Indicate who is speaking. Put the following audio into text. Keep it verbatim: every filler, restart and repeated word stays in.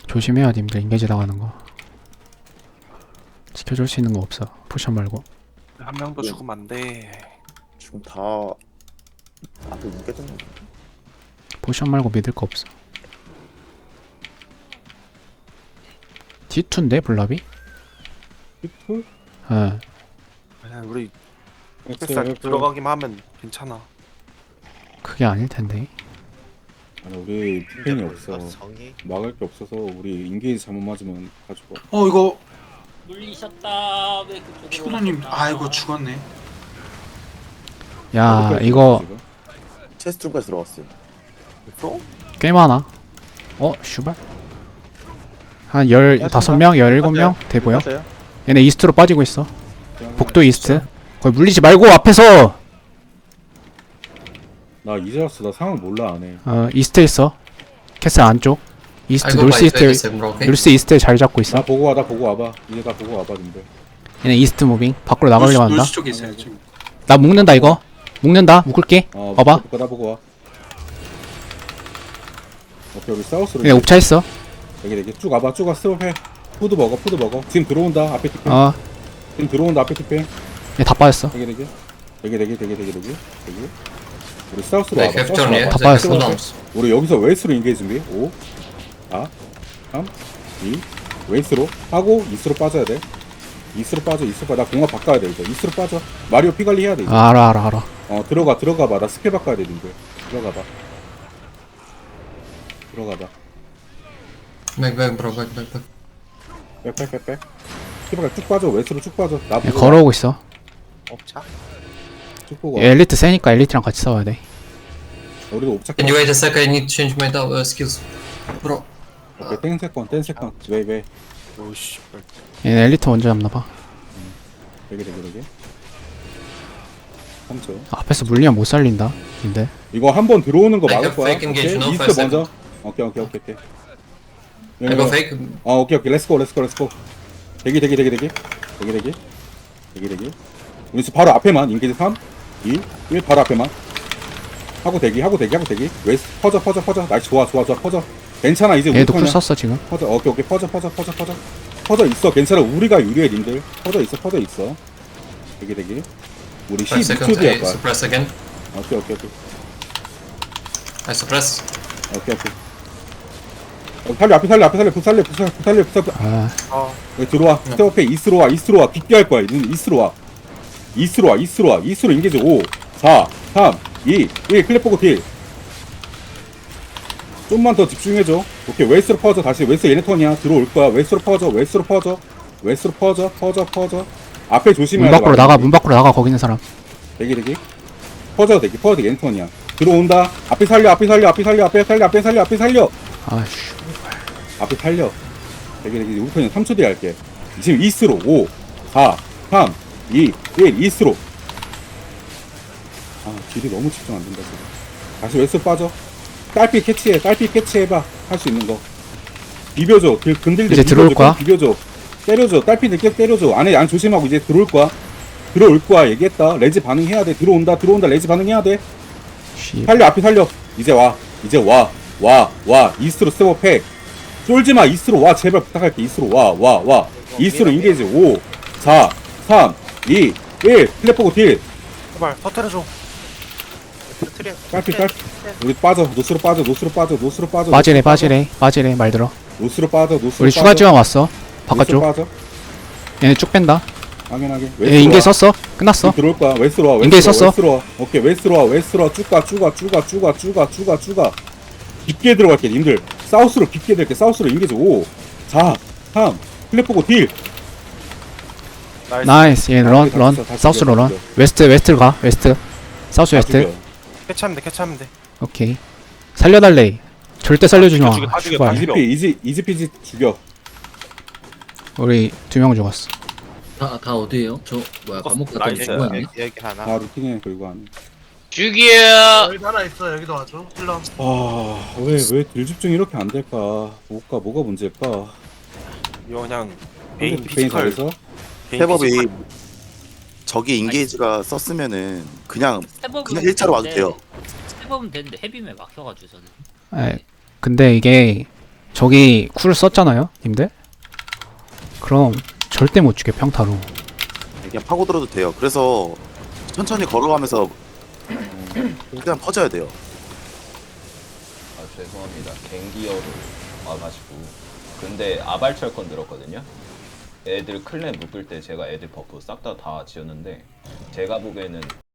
Speaker 1: 조심해야 님들 인게이지 당하는 거. 지켜줄 수 있는 거 없어. 포션 말고.
Speaker 2: 한 명도 죽으면 안 돼.
Speaker 3: 지금 다 앞에 묶여졌네.
Speaker 1: 포션 말고 믿을 거 없어. 디투인데 블랍이?
Speaker 4: 히프?
Speaker 1: 예.
Speaker 2: 그냥 우리
Speaker 4: 엑스
Speaker 2: 햇살
Speaker 4: F.
Speaker 2: 들어가기만 하면 괜찮아.
Speaker 1: 그게 아닐 텐데.
Speaker 4: 아니 우리 디펜이 없어.
Speaker 3: 성이
Speaker 4: 막을 게 없어서 우리 인게이지 잘못 맞으면 가지고.
Speaker 5: 어 이거
Speaker 6: 물리셨다. 왜 그쪽으로?
Speaker 5: 피구노님
Speaker 6: 갔다.
Speaker 5: 아이고 죽었네.
Speaker 1: 야 이거
Speaker 3: 체스트룸까지 들어갔어요.
Speaker 2: 프로?
Speaker 1: 꽤 많아. 어 슈발. 한 열다섯 명, 열일곱 명 돼 보여.
Speaker 3: 맞아요?
Speaker 1: 얘네 이스트로 빠지고 있어. 복도 이스트. 거기 물리지 말고 앞에서.
Speaker 4: 나 이제 왔어. 나 상황 몰라 안 해.
Speaker 1: 어 이스트에 있어. 캐슬 안쪽. 이스트 놀스 이스트. 놀스 이스트에 잘 잡고 있어.
Speaker 4: 나 보고 와, 나 보고 와봐. 이제 나 보고 와봐, 님들.
Speaker 1: 얘네 이스트 무빙. 밖으로 나가려고 한다.
Speaker 5: 놀수 쪽에 있어요 지금.
Speaker 1: 나 묶는다 이거. 묶는다. 묶을게.
Speaker 4: 어,
Speaker 1: 봐봐.
Speaker 4: 보고, 나 보고 와. 오케이, 우리 사우스로.
Speaker 1: 얘네 옵차 있어.
Speaker 4: 여기 여기 쭉 와봐, 쭉 와. 스톱해. 푸드 먹어, 푸드 먹어. 지금 들어온다. 앞에 티펜.
Speaker 1: 어.
Speaker 4: 지금 들어온다. 앞에 티펜.
Speaker 1: 얘 다 빠졌어.
Speaker 4: 여기 여기. 여기 여기 여기 여기 여기 여기. 우리 사우스로
Speaker 6: 네,
Speaker 4: 와봐. 사우스로
Speaker 6: 캡처네.
Speaker 4: 와봐.
Speaker 1: 다 빠졌어.
Speaker 4: 사우스로 와봐. 우리 여기서 웨스트로 인게이지 준비. 오, 사, 삼, 이. 웨스트로 하고 이스트로 빠져야 돼. 이스트로 빠져, 이스트로 빠져. 나 공합 바꿔야 돼 이제. 이스트로 빠져. 마리오 피 관리 해야 돼 이제.
Speaker 1: 아, 알아 알아 알아.
Speaker 4: 어 들어가 들어가 봐. 나 스킬 바꿔야 돼 님들. 들어가 봐. 들어가 봐.
Speaker 6: Back, back, bro. Back, back, back.
Speaker 4: 빽빽빽빽. 스킬바가 쭉 빠져. 웨스트로 쭉 빠져. 나
Speaker 1: 얘
Speaker 4: 보고
Speaker 1: 걸어오고 있어.
Speaker 2: 업차?
Speaker 4: 쭉 보고. 와.
Speaker 1: 얘 엘리트 세니까 엘리트랑 같이 싸워야 돼.
Speaker 4: 우리도 옵착.
Speaker 6: Can you wait a sec? I need to change my uh, skills. Bro.
Speaker 4: 오케이 땡 세컨 땡 세컨. 왜 왜?
Speaker 2: 오씨.
Speaker 1: 얘네 엘리트 먼저 잡나봐.
Speaker 4: 되게 되게 되게. 삼 초.
Speaker 1: 앞에서 물리면 못 살린다. 근데
Speaker 4: 이거 한 번 들어오는 거
Speaker 6: I
Speaker 4: 막을
Speaker 6: have
Speaker 4: 거야.
Speaker 6: fake engage,
Speaker 4: 오케이?
Speaker 6: no
Speaker 4: 이스트
Speaker 6: five
Speaker 4: 먼저. 오케이 오케이 오케이 오케이.
Speaker 6: I go fake.
Speaker 4: 어 오케이 오케이 렛츠고 렛츠고 렛츠고. 대기 대기 대기 대기 대기 대기 대기 대기. 우리 지금 바로 앞에만 인게이지 삼, 이, 일 바로 앞에만 하고 대기 하고 대기 하고 대기. 웨스 퍼져 퍼져 퍼져. 나이스 좋아 좋아 좋아 퍼져. 괜찮아 이제 우리
Speaker 1: 얘도 쿨
Speaker 4: 턴이야.
Speaker 1: 썼어 지금.
Speaker 4: 퍼져 오케이 오케이 퍼져 퍼져 퍼져 퍼져 퍼져 있어. 괜찮아 우리가 유리해 님들. 퍼져 있어 퍼져 있어. 대기 대기. 우리
Speaker 6: Five
Speaker 4: 십이 초
Speaker 6: seconds.
Speaker 4: 뒤에
Speaker 6: I
Speaker 4: 할 거야.
Speaker 6: suppress again.
Speaker 4: 오케이 오케이 오케이
Speaker 6: I suppress.
Speaker 4: 오케이 오케이. 어, 살려 앞에 살려 앞에 살려 부 살려 부 살려 부 살려 부 살려.
Speaker 1: 아
Speaker 2: 어.
Speaker 4: 여기 들어와. 스텝업해. 이스로 와. 이스로 와. 깊게 할 거야. 니 이스로 와. 이스로 와. 이스로 와. 이스로 인게이지 오, 사, 삼, 이, 일. 클랩 보고 딜. 좀만 더 집중해줘. 오케이. 웨스트로 퍼져. 다시 웨스트 얘네 턴이야. 들어올 거야. 웨스트로 퍼져. 웨스트로 퍼져. 웨스트로 퍼져. 퍼져. 퍼져. 앞에 조심해야
Speaker 1: 문
Speaker 4: 돼.
Speaker 1: 밖으로 나가. 문 밖으로 나가. 거기 있는 사람.
Speaker 4: 대기 대기. 퍼져 대기. 퍼져 대기. 얘네 턴이야. 들어온다. 앞에 살려. 앞에 살려. 앞에 살려. 앞에 살려. 앞에 살려. 앞에 살려.
Speaker 1: 아씨.
Speaker 4: 앞에 살려. 되게 되게 우리 편이 삼 초 뒤에 할게. 지금 이스로 오, 사, 삼, 이, 일 이스로. 아 딜이 너무 집중 안 된다 지금. 다시 웨스트 빠져. 딸피 캐치해. 딸피 캐치해봐. 할 수 있는 거. 비벼줘. 그 근들들
Speaker 1: 이제 들어올
Speaker 4: 비벼줘.
Speaker 1: 거야?
Speaker 4: 비벼줘. 때려줘. 딸피들 계속 때려줘. 안에 안 조심하고 이제 들어올 거야. 들어올 거야. 얘기했다. 레지 반응해야 돼. 들어온다. 들어온다. 레지 반응해야 돼.
Speaker 1: 씨.
Speaker 4: 살려. 앞에 살려. 이제 와. 이제 와. 와. 와. 이스트로 스텝업해. 쫄지마. 이스로 와. 제발 부탁할게. 이스로 와. 와. 와. 이스로 인게이지 오, 사, 삼, 이, 일. 플랫 보고 딜.
Speaker 2: 제발 터트려줘. 터트려.
Speaker 4: 딸피 딸피. 우리 빠져. 노스로 빠져. 노스로 빠져. 노스로 빠져.
Speaker 1: 빠지래 빠지래 빠지래 말 들어.
Speaker 4: 노스로 빠져. 노스로
Speaker 1: 우리
Speaker 4: 빠져.
Speaker 1: 추가 지원 왔어.
Speaker 4: 노스로
Speaker 1: 바깥쪽.
Speaker 4: 빠져.
Speaker 1: 얘네 쭉 뺀다.
Speaker 4: 확인하게.
Speaker 1: 얘 인게 썼어. 끝났어.
Speaker 4: 들어올 거야. 웨스로 와.
Speaker 1: 인게이지
Speaker 4: 웨스로
Speaker 1: 썼어.
Speaker 4: 와. 웨스로 와. 오케이. 웨스로 와. 웨스로 와. 쭉가 쭉가 쭉가 쭉가 쭉가 쭉가 쭉가 깊게 들어갈게. 님들. 사우스로 깊게 들게. 사우스로 인게이지 오, 사, 삼. 플랫 보고 딜.
Speaker 2: 나이스.
Speaker 1: 나이스. 얘 런,
Speaker 4: 다
Speaker 1: 런.
Speaker 4: 죽여, 다
Speaker 1: 사우스로
Speaker 4: 죽여,
Speaker 1: 런.
Speaker 4: 죽여.
Speaker 1: 웨스트, 웨스트로 가. 웨스트. 사우스
Speaker 4: 다
Speaker 1: 웨스트.
Speaker 4: 죽여.
Speaker 2: 캐치하면 돼. 캐치하면 돼.
Speaker 1: 오케이. 살려달래. 절대 살려주지 마.
Speaker 2: 죽여, 죽여, 다 죽여,
Speaker 1: 씨발.
Speaker 2: 다 죽여.
Speaker 4: 이지피 이지 이지피지 죽여.
Speaker 1: 우리 두 명 죽었어.
Speaker 7: 다, 다 어디에요? 저 뭐야 감옥 갔다
Speaker 2: 나이스.
Speaker 7: 죽은 거 아니야?
Speaker 2: 여기 하나.
Speaker 4: 다 루팅해 그리고 안.
Speaker 6: 죽여.
Speaker 5: 여기 하나 있어 여기도 와줘. 힐러.
Speaker 4: 아왜왜 딜 집중이 이렇게 안 될까? 뭐가 뭐가 문제일까?
Speaker 2: 이거 그냥 메인
Speaker 4: 페인
Speaker 2: 피지컬.
Speaker 4: 잘해서
Speaker 2: 메인
Speaker 3: 스텝업이
Speaker 2: 피지컬.
Speaker 3: 저기 인게이지가 썼으면은 그냥
Speaker 8: 스텝업은
Speaker 3: 그냥 일자로 와도
Speaker 8: 되는데,
Speaker 3: 돼요.
Speaker 8: 스텝업은 되는데 헤비에 막혀가지고 저는.
Speaker 1: 에, 근데 이게 저기 쿨 썼잖아요, 님들? 그럼 절대 못 죽여, 평타로.
Speaker 3: 그냥 파고들어도 돼요. 그래서 천천히 걸어가면서 그냥 퍼져야 돼요.
Speaker 8: 아 죄송합니다. 갱기어로 와가지고 근데 아발철권 들었거든요. 애들 클랜 묶을 때 제가 애들 버프 싹 다 다 지었는데 제가 보기에는